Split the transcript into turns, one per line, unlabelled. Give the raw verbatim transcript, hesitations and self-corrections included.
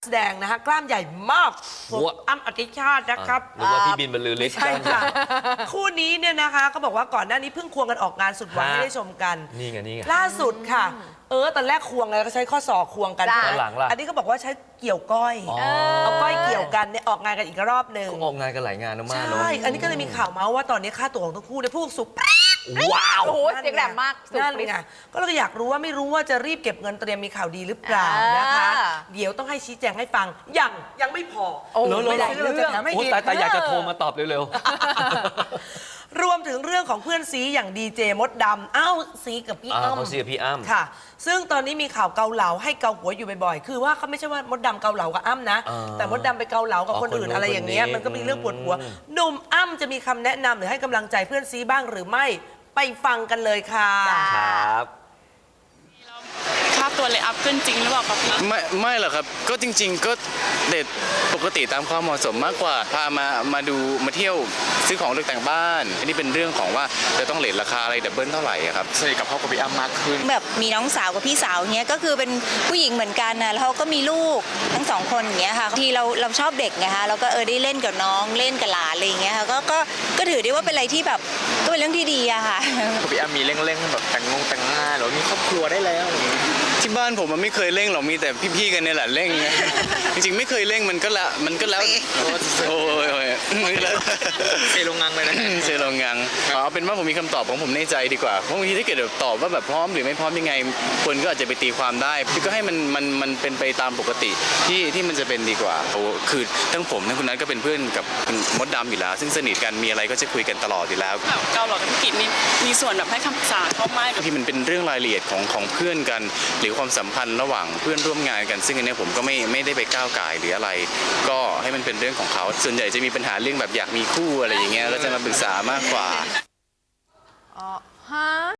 แสดงนะฮะกล้ามใหญ่มากอ้ำอธิชาตินะครับ
หรือว่าพี่บินบรรลือฤทธิ์
ใช่ค่ะคู่นี้เนี่ยนะคะก็บอกว่าก่อนหน้านี้เพิ่งควงกันออกงานสุดหวานให้ได้ชมกัน
นี่ไงนี่ไง
ล่าสุดค่ะเออตอนแรกควงไงก็ใช้ข้อศอกควงกัน
ตอนหลังล่ะ
อันนี้ก็บอกว่าใช้เกี่ยวก้อยเอาก้อยเกี่ยวกันเนี่ยออกงานกันอีกรอบหนึ่ง
ออกงานกันหลายงานมากๆเนาะ
ใช่อันนี้ก็เลยมีข่าวเมาส์ว่าตอนนี้ค่าตัวของทั้งคู่เนี่ยพุ่งสูง
ว้าว
โอ้โหเสียงแหลมมาก
นั่นไงก็เลยอยากรู้ว่าไม่รู้ว่าจะรีบเก็บเงินเตรียมมีข่าวดีหรือเปล่านะคะเดี๋ยวต้องให้ชี้แจงให้ฟังยังยังไม่พอ
ไม่ได้
เราจะแถมให้อีก
แต่อยากจะโทรมาตอบเร็ว
รวมถึงเรื่องของเพื่อนซีอย่างดีเจมดดำอ้าวซีกับพี่อ้ำ
เขาซีกับพี่อ้ำ
ค่ะซึ่งตอนนี้มีข่าวเกาเหลาให้เกาหัวอยู่บ่อยๆคือว่าเขาไม่ใช่ว่ามดดำเกาเหลากับอ้ำนะแต่มดดำไปเกาเหลากับคนอื่นอะไรอย่างเงี้ยมันก็มีเรื่องปวดหัวหนุ่มอ้ำจะมีคำแนะนำหรือให้กำลังใจเพื่อนซีบ้างหรือไม่ไปฟังกันเลยค่ะ
ครับ
ค่าตัวเลยอัพขึ้นจริงหรือเปล่าครับพี่
ไม่ไม่หรอกครับก็จริงๆก็เด็ดปกติตามความเหมาะสมมากกว่าพามามาดูมาเที่ยวซื้อของตกแต่งบ้านอันนี้เป็นเรื่องของว่าจะต้องเลทราคาอะไรดับเบิลเท่าไหร่ครับสนิทกับพ่อกับพี่อ้ำมากขึ้น
แบบมีน้องสาวกับพี่สาวเนี้ยก็คือเป็นผู้หญิงเหมือนกันนะแล้วเขาก็มีลูกทั้งสองคนอย่างเงี้ยค่ะทีเราเราชอบเด็กไงคะเราก็เออได้เล่นกับน้องเล่นกับหลานอะไรอย่างเงี้ยค่ะก็ก็ก็ถือได้ว่าเป็นอะไรที่แบบก็เป็นเรื่องที่ดีอะค่ะ
พี่อ้ำมีเร่งๆแบบแต่งงงแต่งงานหรือมีครอบครัวได้แล้วที่บ้านผมมันไม่เคยเร่งหรอกมีแต่พี่ๆกันเนี่ยแหละเร่งจริงๆไม่เคยเร่งมันก็ละมันก็แล้วโอ้ยมันก็แล้ว
เซโรงงานเลยนะ
เซโรงงานเอาเป็นว่าผมมีคำตอบของผมในใจดีกว่าเพราะบางทีถ้าเกิดตอบว่าแบบพร้อมหรือไม่พร้อมยังไงคนก็อาจจะไปตีความได้พี่ก็ให้มันมันมันเป็นไปตามปกติที่ที่มันจะเป็นดีกว่าโอ้คือทั้งผมทั้งคุณนัทก็เป็นเพื่อนกับคุณมดดำอยู่แล้วซึ่งสนิทกันมีอะไรก็จะคุยกันตลอดอยู่แล้ว
เกาเหลากับพี่กิจนี่มีส่วนแบบให้คำปรึกษาเขาไหม
ที่มันเป็นเรื่องรายละเอียดของของเพื่อนกันหรือความสัมพันธ์ระหว่างเพื่อนร่วมงานกันซึ่งอันนี้ผมก็ไม่ไม่ได้ไปก้าวก่ายหรืออะไรก็ให้มันเป็นเรื่องของเขาส่วนใหญ่จะมีปัญหาเรื่องแบบอยากมีคู่อะไรอย่างเงี้ยก็จะมาปรึกษามากกว่า
อ๋อฮะ